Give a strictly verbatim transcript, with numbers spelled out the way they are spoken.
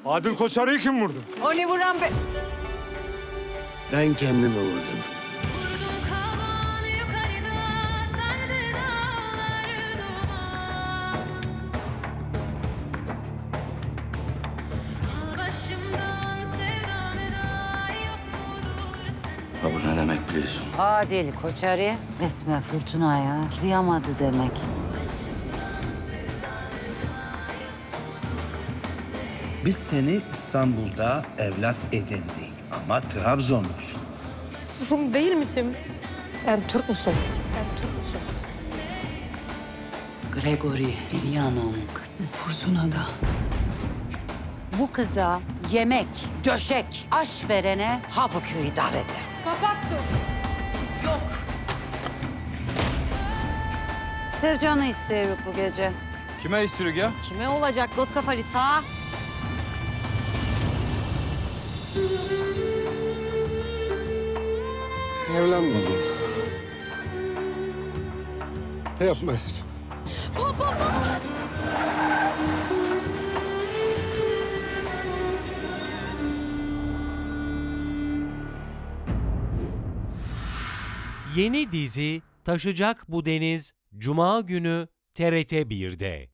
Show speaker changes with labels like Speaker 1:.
Speaker 1: Adil Koçarı'yı kim vurdu?
Speaker 2: Onu vuran be...
Speaker 3: Ben kendimi vurdum.
Speaker 4: Kavan yukarıda sardı dağları duman. Al başımdan sevdanı da yok mudur sende?
Speaker 5: Bu ne demek biliyorsun?
Speaker 2: Adil Koçarı resmen fırtınaya kıyamadı demek.
Speaker 3: Biz seni İstanbul'da evlat edindik ama Trabzonlusun.
Speaker 6: Rum değil misin? Ben Türk müsün? Ben Türk müsün?
Speaker 2: Gregory Miryano'nun kızı Fırtına'da. Bu kıza yemek, döşek, aş verene ha bu köyü idare eder.
Speaker 6: Kapattım.
Speaker 2: Sevcan'ı istiyoruz bu gece.
Speaker 7: Kime istiyoruz ya?
Speaker 6: Kime olacak got kafalı sağ?
Speaker 1: Evlenmedim. Yapmaz.
Speaker 8: Yeni dizi Taşacak Bu Deniz Cuma günü T R T bir'de.